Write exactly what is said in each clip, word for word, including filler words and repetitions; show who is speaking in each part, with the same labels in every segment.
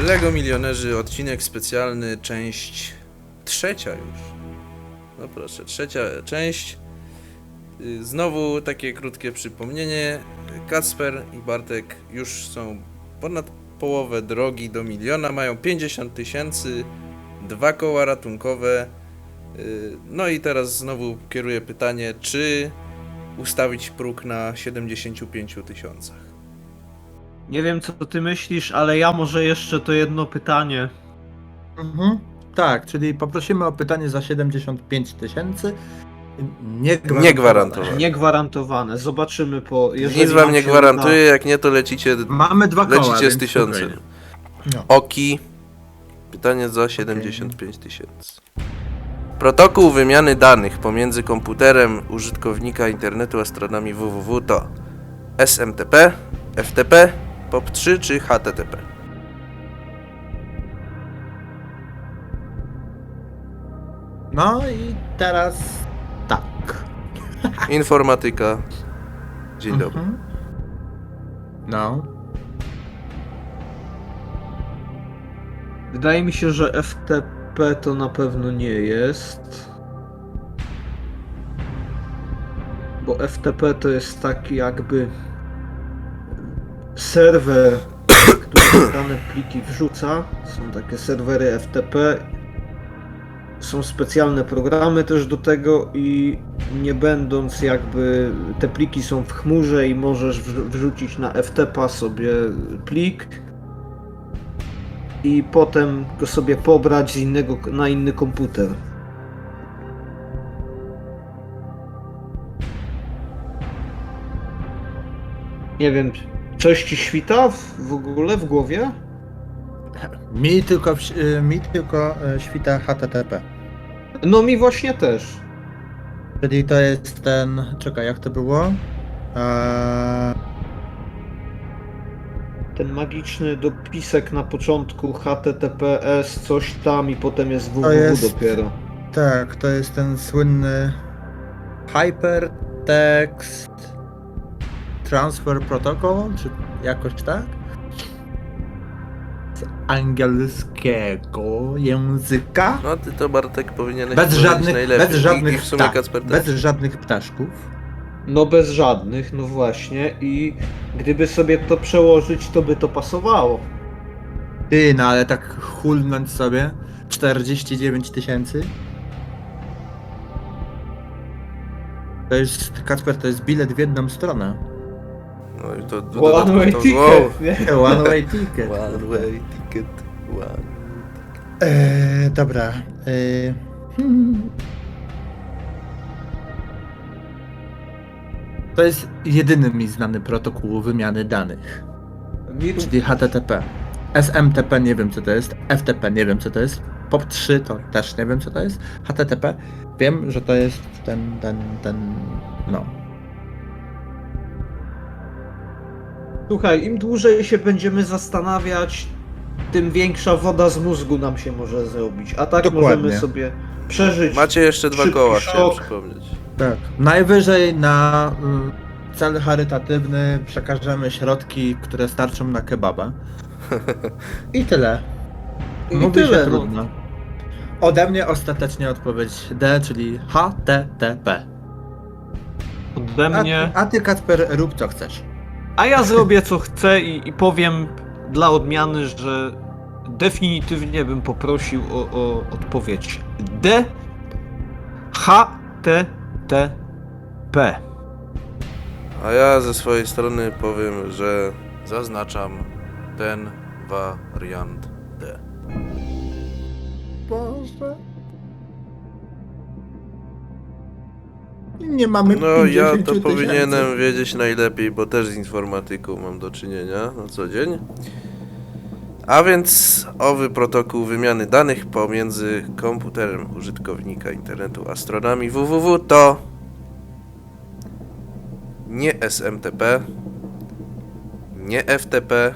Speaker 1: Lego Milionerzy, odcinek specjalny, część trzecia już. No proszę, trzecia część. Znowu takie krótkie przypomnienie. Kacper i Bartek już są ponad połowę drogi do miliona, mają pięćdziesiąt tysięcy, dwa koła ratunkowe. No i teraz znowu kieruję pytanie, czy ustawić próg na siedemdziesięciu pięciu tysiącach.
Speaker 2: Nie wiem, co ty myślisz, ale ja może jeszcze to jedno pytanie.
Speaker 3: Mhm. Tak, czyli poprosimy o pytanie za siedemdziesiąt pięć tysięcy. Niegwarantowane.
Speaker 1: Niegwarantowane.
Speaker 2: Niegwarantowane. Zobaczymy po... jeżeli
Speaker 1: Nic wam
Speaker 2: nam
Speaker 1: nie
Speaker 2: się
Speaker 1: gwarantuję, jak nie to lecicie,
Speaker 3: Mamy dwa koła,
Speaker 1: lecicie z
Speaker 3: więc
Speaker 1: tysiącem.
Speaker 3: spokojnie. No.
Speaker 1: Oki. Pytanie za siedemdziesiąt pięć tysięcy. Protokół wymiany danych pomiędzy komputerem użytkownika internetu a stronami www to S M T P, F T P, P O P trzy czy H T T P?
Speaker 3: No i teraz tak.
Speaker 1: Informatyka. Dzień dobry.
Speaker 3: Mhm. No.
Speaker 2: Wydaje mi się, że F T P to na pewno nie jest. Bo F T P to jest taki jakby serwer, który dane pliki wrzuca. Są takie serwery F T P. Są specjalne programy też do tego i nie będąc jakby te pliki są w chmurze i możesz wrzucić na F T P sobie plik i potem go sobie pobrać z innego na inny komputer. Nie wiem, coś ci świta w, w ogóle w głowie?
Speaker 3: Mi tylko, w- y, mi tylko y, świta H T T P.
Speaker 2: No mi właśnie też.
Speaker 3: Czyli to jest ten... Czekaj, jak to było? Eee,
Speaker 2: Ten magiczny dopisek na początku H T T P S coś tam i potem jest www
Speaker 3: jest-
Speaker 2: dopiero.
Speaker 3: tak, to jest ten słynny Hypertext Transfer Protocol, czy jakoś tak? Z angielskiego języka.
Speaker 1: No ty to, Bartek, powinieneś
Speaker 3: Bez
Speaker 1: powiedzieć
Speaker 3: żadnych,
Speaker 1: najlepiej.
Speaker 3: bez
Speaker 1: I,
Speaker 3: żadnych,
Speaker 1: i w sumie
Speaker 3: tak,
Speaker 1: Kacper też.
Speaker 3: bez żadnych ptaszków.
Speaker 2: No bez żadnych, no właśnie i gdyby sobie to przełożyć, to by to pasowało.
Speaker 3: Ty, no ale tak hulnąć sobie czterdzieści dziewięć tysięcy. To jest, Kacper, to jest bilet w jedną stronę.
Speaker 1: No i to, to,
Speaker 2: One
Speaker 1: to,
Speaker 2: way
Speaker 1: to,
Speaker 2: ticket, nie?
Speaker 3: One way ticket.
Speaker 1: One way ticket. One.
Speaker 3: Eee, dobra. Eee, hmm. To jest jedyny mi znany protokół wymiany danych,
Speaker 2: Mi-
Speaker 3: czyli H T T P. S M T P nie wiem co to jest, F T P nie wiem co to jest, P O P trzy to też nie wiem co to jest, H T T P wiem, że to jest ten, ten, ten, no.
Speaker 2: Słuchaj, im dłużej się będziemy zastanawiać, tym większa woda z mózgu nam się może zrobić. A tak
Speaker 3: Dokładnie.
Speaker 2: możemy sobie przeżyć.
Speaker 1: Macie jeszcze dwa
Speaker 2: szybki
Speaker 1: koła, chciałem
Speaker 2: szok.
Speaker 1: przypomnieć.
Speaker 3: Tak. Najwyżej na y, cel charytatywny przekażemy środki, które starczą na kebaba. I tyle.
Speaker 2: I
Speaker 3: Mówi
Speaker 2: tyle,
Speaker 3: się
Speaker 2: no.
Speaker 3: trudno. Ode mnie ostatecznie odpowiedź D, czyli H T T P.
Speaker 2: Ode
Speaker 3: A,
Speaker 2: mnie.
Speaker 3: a ty, Kacper, rób co chcesz.
Speaker 2: A ja zrobię co chcę i, i powiem dla odmiany, że definitywnie bym poprosił o, o odpowiedź D H T T P.
Speaker 1: A ja ze swojej strony powiem, że zaznaczam ten wariant D.
Speaker 3: Boże. Nie mamy
Speaker 1: No ja
Speaker 3: pięćdziesiąt
Speaker 1: to
Speaker 3: tysięcy.
Speaker 1: powinienem wiedzieć najlepiej, bo też z informatyką mam do czynienia na co dzień. A więc owy protokół wymiany danych pomiędzy komputerem użytkownika internetu a stronami www to nie S M T P, nie F T P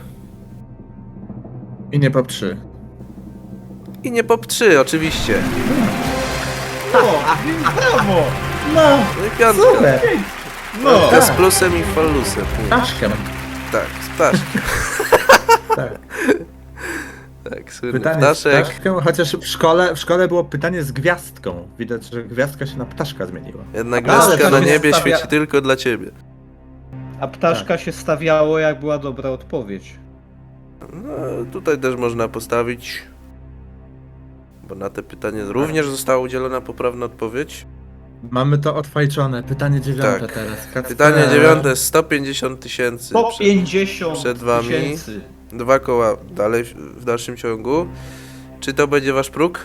Speaker 3: I nie P O P trzy.
Speaker 1: i nie P O P trzy oczywiście.
Speaker 3: O, brawo! No,
Speaker 1: No i piątka.
Speaker 3: super!
Speaker 1: No,
Speaker 3: tak.
Speaker 1: z plusem i falusem. Nie.
Speaker 3: Ptaszkiem.
Speaker 1: Tak, z ptaszkiem.
Speaker 3: Tak.
Speaker 1: Tak, słynny
Speaker 3: Pytanie
Speaker 1: ptaszek.
Speaker 3: z ptaszką, chociaż w szkole, w szkole było pytanie z gwiazdką. Widać, że gwiazdka się na ptaszka zmieniła.
Speaker 1: Jedna
Speaker 2: Ale
Speaker 1: gwiazdka
Speaker 2: to
Speaker 1: na
Speaker 2: się
Speaker 1: niebie
Speaker 2: stawia-
Speaker 1: świeci tylko dla ciebie.
Speaker 2: A ptaszka się stawiało, jak była dobra odpowiedź.
Speaker 1: No, tutaj też można postawić, bo na te pytanie również została udzielona poprawna odpowiedź.
Speaker 3: Mamy to odfajczone. Pytanie dziewiąte
Speaker 1: Tak.
Speaker 3: teraz. Kacper.
Speaker 1: Pytanie dziewiąte, sto pięćdziesiąt tysięcy.
Speaker 2: sto pięćdziesiąt
Speaker 1: przed wami.
Speaker 2: tysięcy.
Speaker 1: Dwa koła dalej w- w dalszym ciągu. Czy to będzie wasz próg?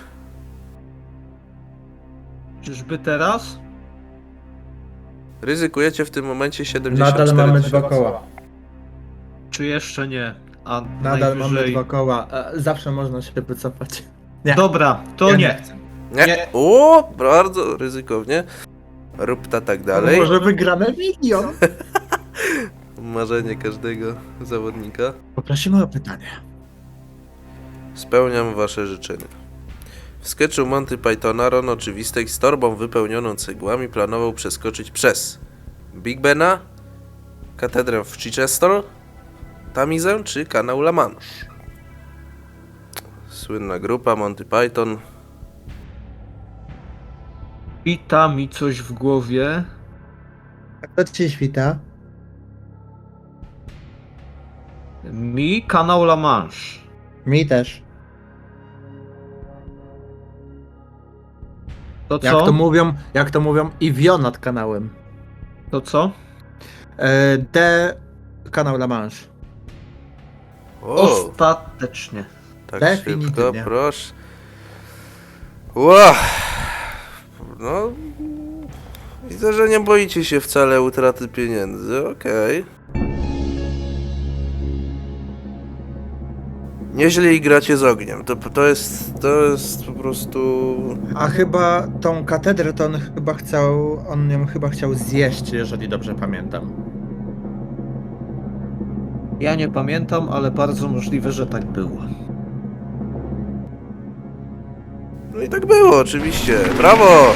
Speaker 2: Czyżby teraz?
Speaker 1: Ryzykujecie w tym momencie siedemdziesiąt cztery
Speaker 3: Nadal mamy
Speaker 1: tysiące.
Speaker 3: dwa koła.
Speaker 2: Czy jeszcze nie? A
Speaker 3: Nadal mamy
Speaker 2: najwyżej...
Speaker 3: dwa koła. E, Zawsze można się wycofać. Nie.
Speaker 2: Dobra, to
Speaker 3: Ja
Speaker 2: nie.
Speaker 3: chcę.
Speaker 1: Nie.
Speaker 2: Nie.
Speaker 1: O, bardzo ryzykownie. Rób ta tak dalej.
Speaker 3: Może wygramy milion.
Speaker 1: Marzenie każdego zawodnika.
Speaker 3: Poprosimy o pytanie.
Speaker 1: Spełniam wasze życzenia. W sketchu Monty Pythona Ron Oczywistek z torbą wypełnioną cegłami planował przeskoczyć przez Big Bena, katedrę w Chichester, Tamizę czy kanał La Manche. Słynna grupa Monty Python.
Speaker 2: Wita mi coś w głowie.
Speaker 3: Kto ci świta?
Speaker 2: Mi kanał La Manche.
Speaker 3: Mi też.
Speaker 2: To co?
Speaker 3: Jak to mówią, jak to mówią, i wio nad kanałem.
Speaker 2: To co?
Speaker 3: E, D kanał La Manche.
Speaker 1: O,
Speaker 2: Ostatecznie.
Speaker 1: tak
Speaker 3: definitywnie.
Speaker 1: szybko, proszę. Ła! No, widzę, że nie boicie się wcale utraty pieniędzy, okej. Nieźle gracie z ogniem, to, to jest, to jest po prostu...
Speaker 3: A chyba tą katedrę to on chyba chciał, on ją chyba chciał zjeść, jeżeli dobrze pamiętam.
Speaker 2: Ja nie pamiętam, ale bardzo możliwe, że tak było.
Speaker 1: No i tak było, oczywiście, brawo!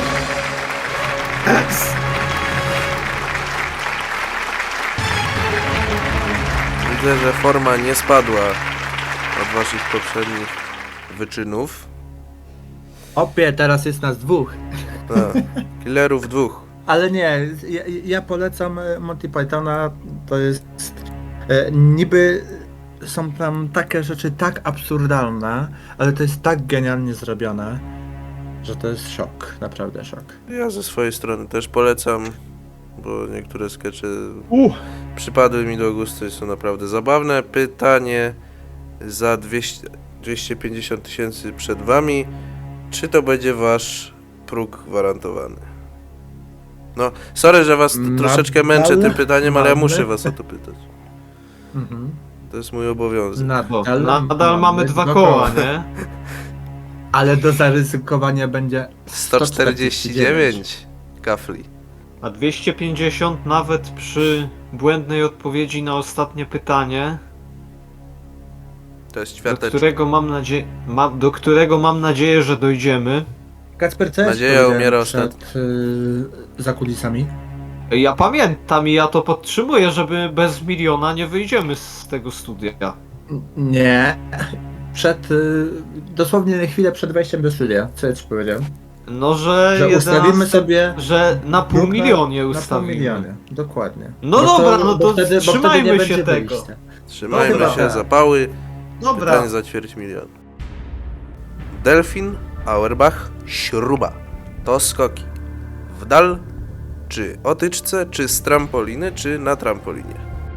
Speaker 1: Widzę, że forma nie spadła od waszych poprzednich wyczynów.
Speaker 3: Opie, teraz jest nas dwóch.
Speaker 1: Tak, killerów dwóch.
Speaker 3: Ale nie, ja, ja polecam e, Monty Pythona, to jest... E, niby są tam takie rzeczy tak absurdalne, ale to jest tak genialnie zrobione, że to jest szok, naprawdę szok.
Speaker 1: Ja ze swojej strony też polecam, bo niektóre skecze
Speaker 2: Uh.
Speaker 1: przypadły mi do gustu i są naprawdę zabawne. Pytanie za dwieście, dwieście pięćdziesiąt tysięcy przed wami. Czy to będzie wasz próg gwarantowany? No, sorry, że was
Speaker 3: Nadal
Speaker 1: troszeczkę męczę tym pytaniem, ale ja
Speaker 3: mamy-
Speaker 1: muszę was o to pytać.
Speaker 3: Mhm.
Speaker 1: To jest mój obowiązek.
Speaker 2: Bo
Speaker 3: Nadal,
Speaker 2: nadal mamy dwa koła, nie?
Speaker 3: Ale do zaryzykowania będzie
Speaker 1: sto czterdzieści dziewięć kafli.
Speaker 2: A dwieście pięćdziesiąt nawet przy błędnej odpowiedzi na ostatnie pytanie,
Speaker 1: To jest
Speaker 2: do
Speaker 1: ćwiarteczka.
Speaker 2: którego mam nadzieję, ma, do którego mam nadzieję, że dojdziemy.
Speaker 3: Kacper, co jest
Speaker 1: Nadzieja
Speaker 3: powiedziałem
Speaker 1: umiera
Speaker 3: przed, y, za kulisami?
Speaker 2: Ja pamiętam i ja to podtrzymuję, żeby bez miliona nie wyjdziemy z tego studia.
Speaker 3: Nie. Przed, y, dosłownie na chwilę przed wejściem do studia. Co ja ci powiedziałem?
Speaker 2: No, że,
Speaker 3: Że
Speaker 2: jedenaście
Speaker 3: ustawimy sobie
Speaker 2: że na pół
Speaker 3: próg na-
Speaker 2: milionie
Speaker 3: na pół
Speaker 2: ustawimy.
Speaker 3: milionie. Dokładnie.
Speaker 2: No
Speaker 3: Bo
Speaker 2: dobra, no
Speaker 3: bo
Speaker 2: to
Speaker 3: wtedy, bo wtedy
Speaker 2: trzymajmy
Speaker 3: nie
Speaker 2: się
Speaker 3: będzie
Speaker 2: tego.
Speaker 3: wyjścia.
Speaker 1: Trzymajmy
Speaker 3: No chyba
Speaker 1: się
Speaker 3: tak.
Speaker 1: za pały.
Speaker 2: Dobra,
Speaker 1: Pytanie za ćwierć miliona. Delfin, Auerbach, śruba. To skoki. W dal, czy o tyczce, czy z trampoliny, czy na trampolinie.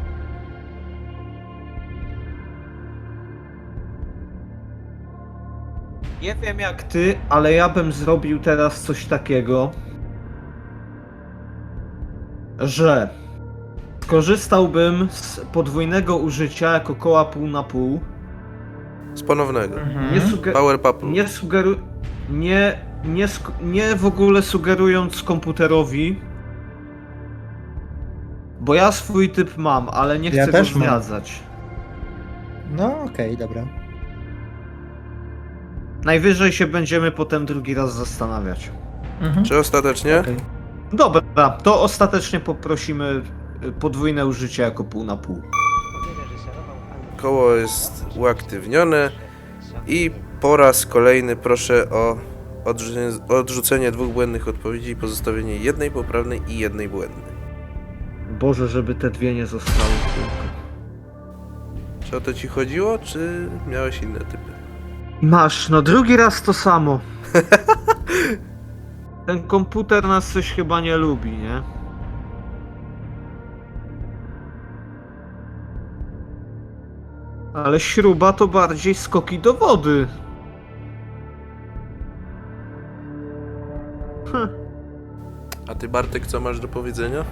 Speaker 2: nie wiem jak ty, ale ja bym zrobił teraz coś takiego, że skorzystałbym z podwójnego użycia jako koła pół na pół.
Speaker 1: Z ponownego.
Speaker 2: Nie, suge-
Speaker 1: Power Papu.
Speaker 2: nie sugeru... Nie, nie, sk- nie w ogóle sugerując komputerowi, bo ja swój typ mam, ale nie chcę
Speaker 3: Ja
Speaker 2: go
Speaker 3: też mam.
Speaker 2: zdradzać.
Speaker 3: No okej, dobra.
Speaker 2: Najwyżej się będziemy potem drugi raz zastanawiać.
Speaker 3: Mhm.
Speaker 1: Czy ostatecznie?
Speaker 3: Okej.
Speaker 2: Dobra, to ostatecznie poprosimy y, podwójne użycie jako pół na pół.
Speaker 1: Koło jest uaktywnione. I po raz kolejny proszę o odrzucenie, odrzucenie dwóch błędnych odpowiedzi i pozostawienie jednej poprawnej i jednej błędnej.
Speaker 2: Boże, żeby te dwie nie zostały tylko.
Speaker 1: Czy o to ci chodziło, czy miałeś inne typy?
Speaker 2: Masz, no drugi raz to samo. Ten komputer nas coś chyba nie lubi, nie? Ale śruba to bardziej skoki do wody. Hm.
Speaker 1: A ty, Bartek, co masz do powiedzenia?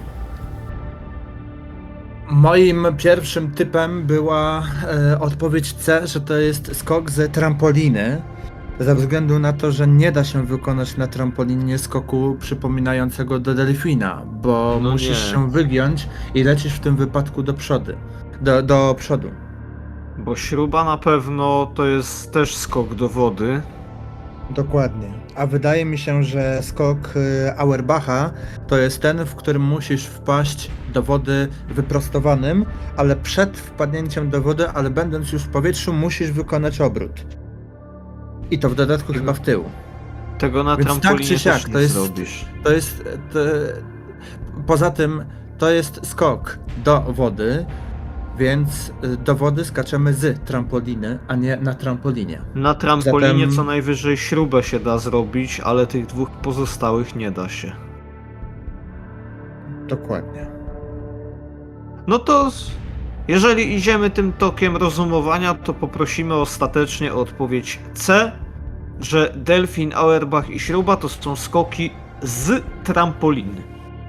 Speaker 3: Moim pierwszym typem była e, odpowiedź C, że to jest skok ze trampoliny. Ze względu na to, że nie da się wykonać na trampolinie skoku przypominającego do delfina, bo
Speaker 2: No
Speaker 3: musisz
Speaker 2: nie.
Speaker 3: się wygiąć i lecisz w tym wypadku do przodu. Do, do przodu.
Speaker 2: Bo śruba na pewno to jest też skok do wody.
Speaker 3: Dokładnie. A wydaje mi się, że skok y, Auerbacha to jest ten, w którym musisz wpaść do wody wyprostowanym, ale przed wpadnięciem do wody, ale będąc już w powietrzu, musisz wykonać obrót. I to w dodatku chyba w tył.
Speaker 2: Tego na
Speaker 3: Więc tak
Speaker 2: trampolinie
Speaker 3: czy siak,
Speaker 2: też
Speaker 3: to
Speaker 2: nie
Speaker 3: jest-
Speaker 2: zrobisz.
Speaker 3: To jest. To, poza tym, to jest skok do wody, więc y, do wody skaczemy z trampoliny, a nie na trampolinie.
Speaker 2: Na trampolinie
Speaker 3: Zatem-
Speaker 2: co najwyżej śrubę się da zrobić, ale tych dwóch pozostałych nie da się.
Speaker 3: Dokładnie.
Speaker 2: No to z- jeżeli idziemy tym tokiem rozumowania, to poprosimy ostatecznie o odpowiedź C, że delfin, Auerbach i śruba to są skoki z trampoliny.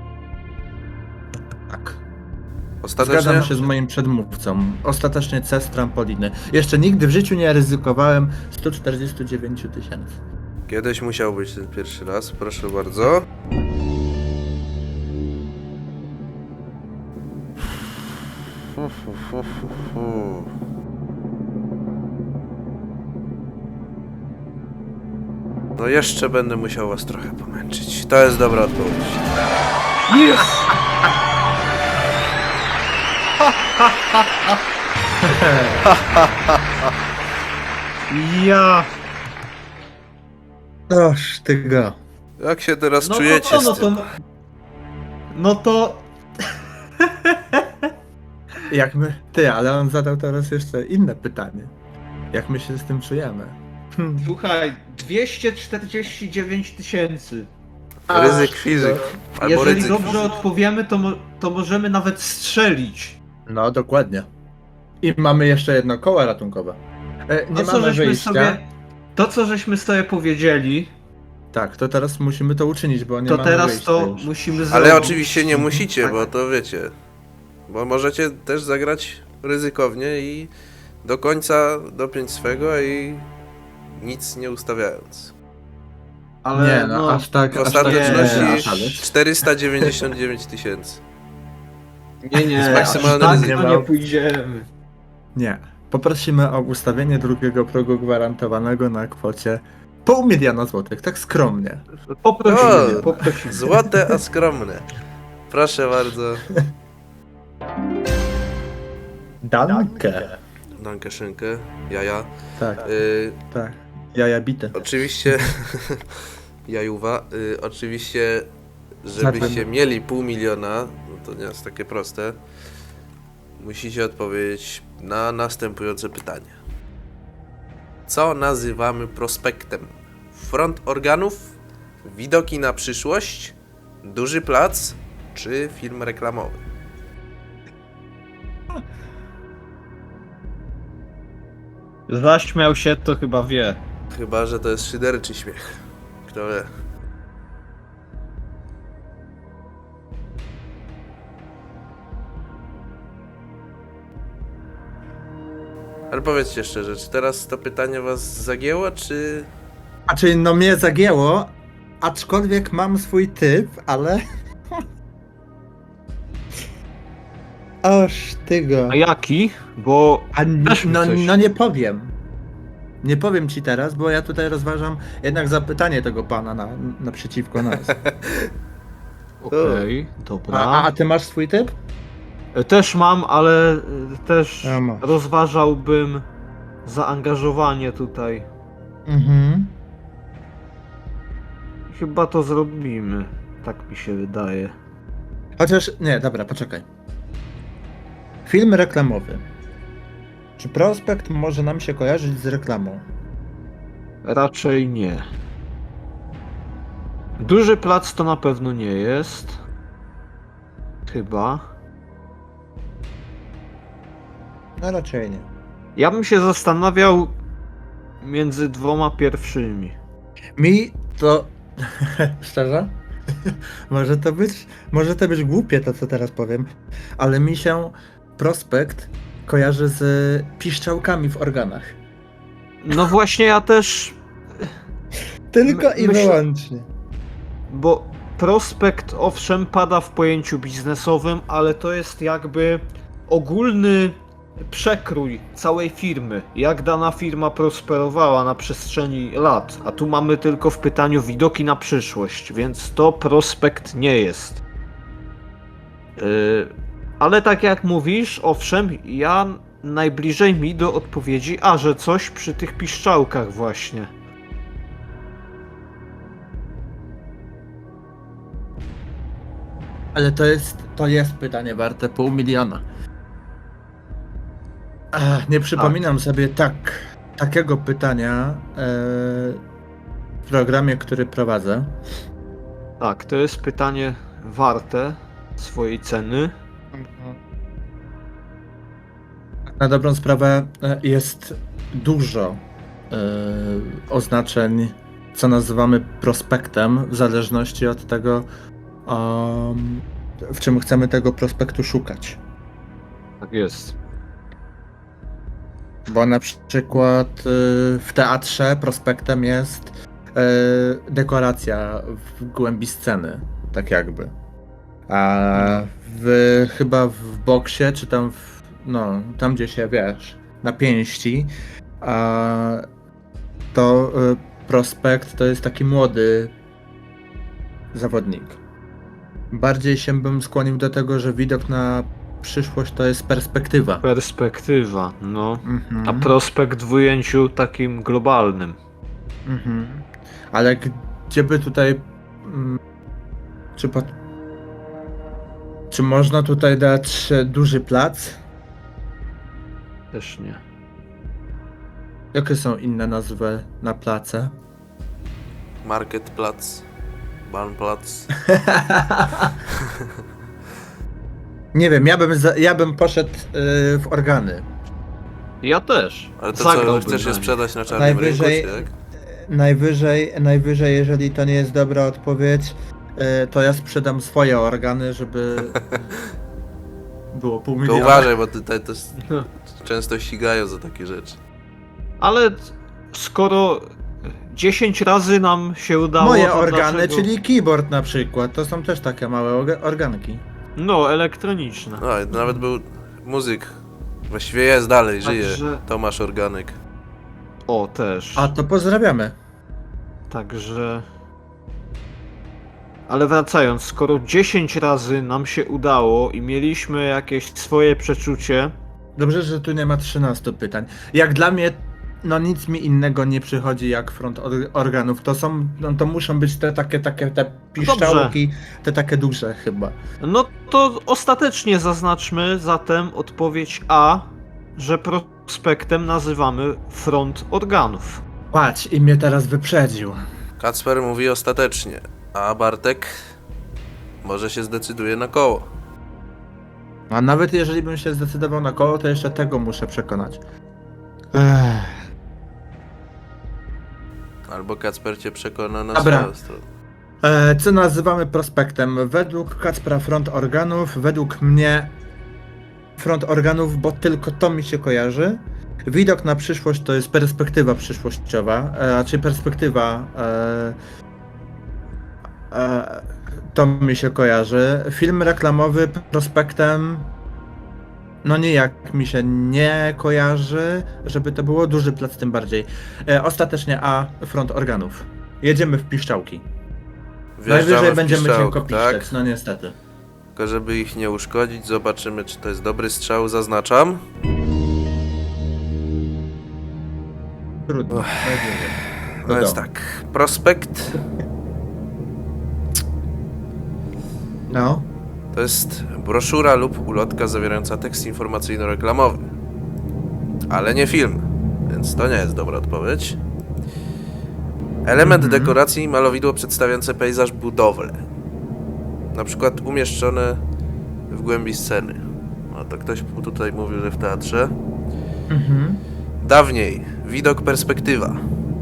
Speaker 3: Tak.
Speaker 1: Ostatecznie?
Speaker 3: Zgadzam się z moim przedmówcą. Ostatecznie C z trampoliny. Jeszcze nigdy w życiu nie ryzykowałem sto czterdzieści dziewięć tysięcy.
Speaker 1: Kiedyś musiał być ten pierwszy raz, proszę bardzo. Fu, fu, fu, fu, fu. No jeszcze będę musiał was trochę pomęczyć. To jest dobra odpowiedź.
Speaker 2: Ja!
Speaker 3: Oż ty go.
Speaker 1: Jak się teraz
Speaker 2: No to
Speaker 1: czujecie
Speaker 2: co, no
Speaker 1: z tym?
Speaker 2: to... No to...
Speaker 3: Jak my... Ty, ale on zadał teraz jeszcze inne pytanie. Jak my się z tym czujemy? Hmm.
Speaker 2: Słuchaj, dwieście czterdzieści dziewięć tysięcy.
Speaker 1: Ryzyk fizyk. Albo
Speaker 2: Jeżeli
Speaker 1: ryzyk
Speaker 2: dobrze
Speaker 1: fizyk.
Speaker 2: odpowiemy, to, mo- to możemy nawet strzelić.
Speaker 3: No, dokładnie. I mamy jeszcze jedno koło ratunkowe. E, nie
Speaker 2: To co,
Speaker 3: mamy
Speaker 2: żeśmy
Speaker 3: wyjścia.
Speaker 2: sobie, to, co żeśmy sobie powiedzieli,
Speaker 3: Tak, to teraz musimy to uczynić, bo nie
Speaker 2: to
Speaker 3: mamy
Speaker 2: teraz
Speaker 3: wyjścia
Speaker 2: to
Speaker 3: już.
Speaker 2: musimy zrobić.
Speaker 1: Ale oczywiście nie musicie,
Speaker 3: Tak.
Speaker 1: bo to wiecie. Bo możecie też zagrać ryzykownie i do końca dopiąć swego i nic nie ustawiając.
Speaker 2: Ale
Speaker 3: Nie, no, aż tak...
Speaker 1: W
Speaker 3: aż tak nie,
Speaker 1: ostateczności
Speaker 3: aż-
Speaker 1: czterysta dziewięćdziesiąt dziewięć tysięcy.
Speaker 2: nie, nie,
Speaker 1: jest maksymalny
Speaker 2: aż tak
Speaker 3: ryzyko.
Speaker 2: to nie pójdziemy.
Speaker 3: Nie. Poprosimy o ustawienie drugiego progu gwarantowanego na kwocie pół miliona złotych, tak skromnie.
Speaker 2: Poprosimy,
Speaker 1: O,
Speaker 2: poprosimy.
Speaker 1: Złote, a skromne. Proszę bardzo.
Speaker 3: Dankę.
Speaker 1: Dankę szynkę, jaja.
Speaker 3: Tak,
Speaker 1: Y,
Speaker 3: tak. Jaja bite.
Speaker 1: oczywiście, jajuwa, y, oczywiście, żebyście
Speaker 3: Zatem-
Speaker 1: mieli pół miliona, no to nie jest takie proste, musicie odpowiedzieć na następujące pytanie. Co nazywamy prospektem? Front organów, widoki na przyszłość, duży plac, czy film reklamowy?
Speaker 2: Zaśmiał się, to chyba wie.
Speaker 1: Chyba że to jest szyderczy śmiech. Kto wie? Ale powiedzcie szczerze, czy teraz to pytanie was zagięło, czy...
Speaker 3: A czyli no mnie zagięło, aczkolwiek mam swój typ, ale... Oż ty go.
Speaker 2: A jaki? Bo
Speaker 3: A n-
Speaker 2: Też mi
Speaker 3: no,
Speaker 2: coś.
Speaker 3: no nie powiem. Nie powiem ci teraz, bo ja tutaj rozważam jednak zapytanie tego pana na, naprzeciwko nas.
Speaker 2: okej, dobra.
Speaker 3: A, a ty masz swój typ?
Speaker 2: Też mam, ale y, też
Speaker 3: Ja mam.
Speaker 2: rozważałbym
Speaker 1: zaangażowanie tutaj.
Speaker 3: Mhm.
Speaker 1: Chyba to zrobimy. Tak mi się wydaje.
Speaker 3: Chociaż, nie, dobra, poczekaj. Film reklamowy. Czy prospekt może nam się kojarzyć z reklamą?
Speaker 1: Raczej nie. Duży plac to na pewno nie jest. Chyba.
Speaker 3: No raczej nie.
Speaker 1: Ja bym się zastanawiał między dwoma pierwszymi.
Speaker 3: Mi to... Szczerze? może to być... Może to być głupie to, co teraz powiem, ale mi się prospekt kojarzy z piszczałkami w organach.
Speaker 1: No właśnie ja też,
Speaker 3: Tylko
Speaker 1: My-
Speaker 3: i
Speaker 1: myślę-
Speaker 3: wyłącznie.
Speaker 1: bo prospekt owszem pada w pojęciu biznesowym, ale to jest jakby ogólny przekrój całej firmy. Jak dana firma prosperowała na przestrzeni lat, a tu mamy tylko w pytaniu widoki na przyszłość, więc to prospekt nie jest. Yy, ale tak jak mówisz, owszem, ja najbliżej mi do odpowiedzi, a że coś przy tych piszczałkach właśnie.
Speaker 3: Ale to jest, to jest pytanie warte pół miliona. Ach, nie przypominam sobie tak, takiego pytania e, w programie, który prowadzę.
Speaker 1: Tak, to jest pytanie warte swojej ceny.
Speaker 3: Na dobrą sprawę e, jest dużo e, oznaczeń, co nazywamy prospektem, w zależności od tego, um, w czym chcemy tego prospektu szukać.
Speaker 1: Tak jest.
Speaker 3: Bo na przykład y, w teatrze prospektem jest y, dekoracja w głębi sceny, tak jakby. A w, chyba w boksie, czy tam w, no, tam gdzie się, wiesz, na pięści, a to y, prospekt to jest taki młody zawodnik. Bardziej się bym skłonił do tego, że widok na przyszłość to jest perspektywa.
Speaker 1: Perspektywa, no.
Speaker 3: Mhm.
Speaker 1: A prospekt w ujęciu takim globalnym.
Speaker 3: Mhm. Ale gdzie by tutaj... mm, Czy, po, czy można tutaj dać e, duży plac?
Speaker 1: Też nie.
Speaker 3: Jakie są inne nazwy na place?
Speaker 1: Marketplatz, Bahnplatz.
Speaker 3: Nie wiem, ja bym, za, ja bym poszedł y, w organy.
Speaker 1: Ja też.
Speaker 4: Ale to
Speaker 1: Zagrałbym
Speaker 4: co, chcesz
Speaker 1: na
Speaker 4: je
Speaker 1: nim.
Speaker 4: sprzedać na czarnym
Speaker 3: Najwyżej-
Speaker 4: rynku, czy jak?
Speaker 3: Najwyżej, najwyżej, jeżeli to nie jest dobra odpowiedź, y, to ja sprzedam swoje organy, żeby było pół
Speaker 4: Tylko
Speaker 3: miliona.
Speaker 4: uważaj, bo tutaj to s- często ścigają za takie rzeczy.
Speaker 1: Ale skoro dziesięć razy nam się udało,
Speaker 3: Moje
Speaker 1: to
Speaker 3: organy,
Speaker 1: dlaczego...
Speaker 3: czyli keyboard na przykład, to są też takie małe orga- organki.
Speaker 1: No, elektroniczne.
Speaker 4: No i nawet był muzyk. Właściwie jest dalej, żyje.
Speaker 1: Także-
Speaker 4: Tomasz Organek.
Speaker 1: O, też.
Speaker 3: A to pozdrawiamy.
Speaker 1: Także... Ale wracając, skoro dziesięć razy nam się udało i mieliśmy jakieś swoje przeczucie,
Speaker 3: Dobrze, że tu nie ma trzynastu pytań. Jak dla mnie, no nic mi innego nie przychodzi jak front or- organów. To są, no to muszą być te takie, takie, te piszczałki, te takie duże chyba.
Speaker 1: no to ostatecznie zaznaczmy zatem odpowiedź A, że prospektem nazywamy front organów.
Speaker 3: Patrz, i mnie teraz wyprzedził.
Speaker 4: Kacper mówi ostatecznie, a Bartek może się zdecyduje na koło.
Speaker 3: A nawet jeżeli bym się zdecydował na koło, to jeszcze tego muszę przekonać. Ech.
Speaker 4: Albo Kacper cię przekona na
Speaker 3: Dobra.
Speaker 4: swoją stronę.
Speaker 3: E, co nazywamy prospektem? Według Kacpra front organów, według mnie front organów, bo tylko to mi się kojarzy. Widok na przyszłość to jest perspektywa przyszłościowa, e, a czy perspektywa e, e, to mi się kojarzy. Film reklamowy prospektem no nijak mi się nie kojarzy, żeby to było duży plac tym bardziej. E, ostatecznie A, front organów. Jedziemy w piszczałki.
Speaker 4: Wjeżdżamy
Speaker 3: Najwyżej
Speaker 4: w
Speaker 3: będziemy
Speaker 4: piszczałki,
Speaker 3: cienko
Speaker 4: tak?
Speaker 3: piszczeć, no niestety.
Speaker 4: Tylko żeby ich nie uszkodzić, zobaczymy czy to jest dobry strzał, zaznaczam.
Speaker 3: Trudno.
Speaker 4: No więc
Speaker 3: Wiadomo.
Speaker 4: tak, prospekt
Speaker 3: No.
Speaker 4: to jest broszura lub ulotka zawierająca tekst informacyjno-reklamowy. Ale nie film, więc to nie jest dobra odpowiedź. Element
Speaker 3: Mhm.
Speaker 4: dekoracji malowidło przedstawiające pejzaż budowle. Na przykład umieszczone w głębi sceny. No to ktoś tutaj mówił, że w teatrze.
Speaker 3: Mhm.
Speaker 4: Dawniej widok perspektywa.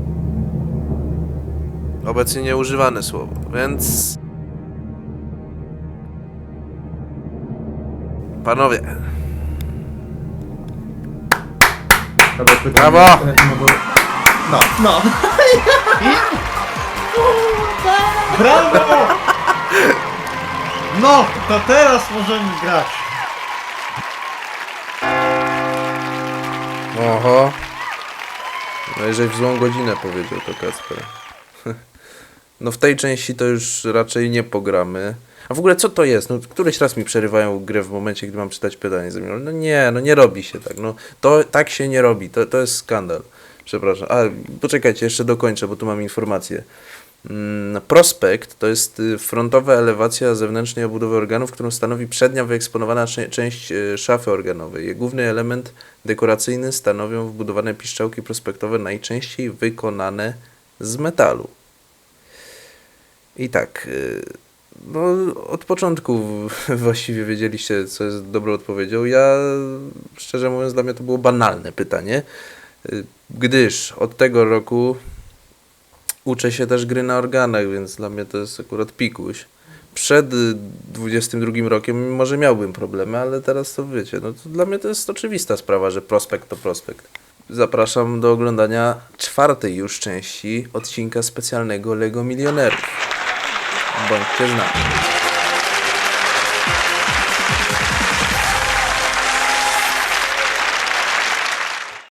Speaker 4: Obecnie nieużywane słowo, więc... Panowie,
Speaker 3: Dobra, pytanie,
Speaker 4: Brawo!
Speaker 3: e, No, bo... no, no.
Speaker 2: Brawo! No, to teraz możemy grać.
Speaker 1: Oho. No jeżeli w złą godzinę powiedział to Kacper. No w tej części to już raczej nie pogramy. A w ogóle co to jest? No któryś raz mi przerywają grę w momencie, gdy mam czytać pytanie. No nie, no nie robi się tak. No to tak się nie robi. To, to jest skandal. Przepraszam. A poczekajcie, jeszcze dokończę, bo tu mam informację. Mm, prospekt to jest y, frontowa elewacja zewnętrznej obudowy organów, którą stanowi przednia wyeksponowana cze- część y, szafy organowej. Jej główny element dekoracyjny stanowią wbudowane piszczałki prospektowe, najczęściej wykonane z metalu. I tak, y, no od początku właściwie wiedzieliście, co jest dobrą odpowiedzią. Ja, szczerze mówiąc, dla mnie to było banalne pytanie, y, gdyż od tego roku uczę się też gry na organach, więc dla mnie to jest akurat pikuś. Przed y, dwudziestym drugim rokiem może miałbym problemy, ale teraz to wiecie, no to dla mnie to jest oczywista sprawa, że prospekt to prospekt. Zapraszam do oglądania czwartej już części odcinka specjalnego Lego Milionerów. Bądźcie z nami.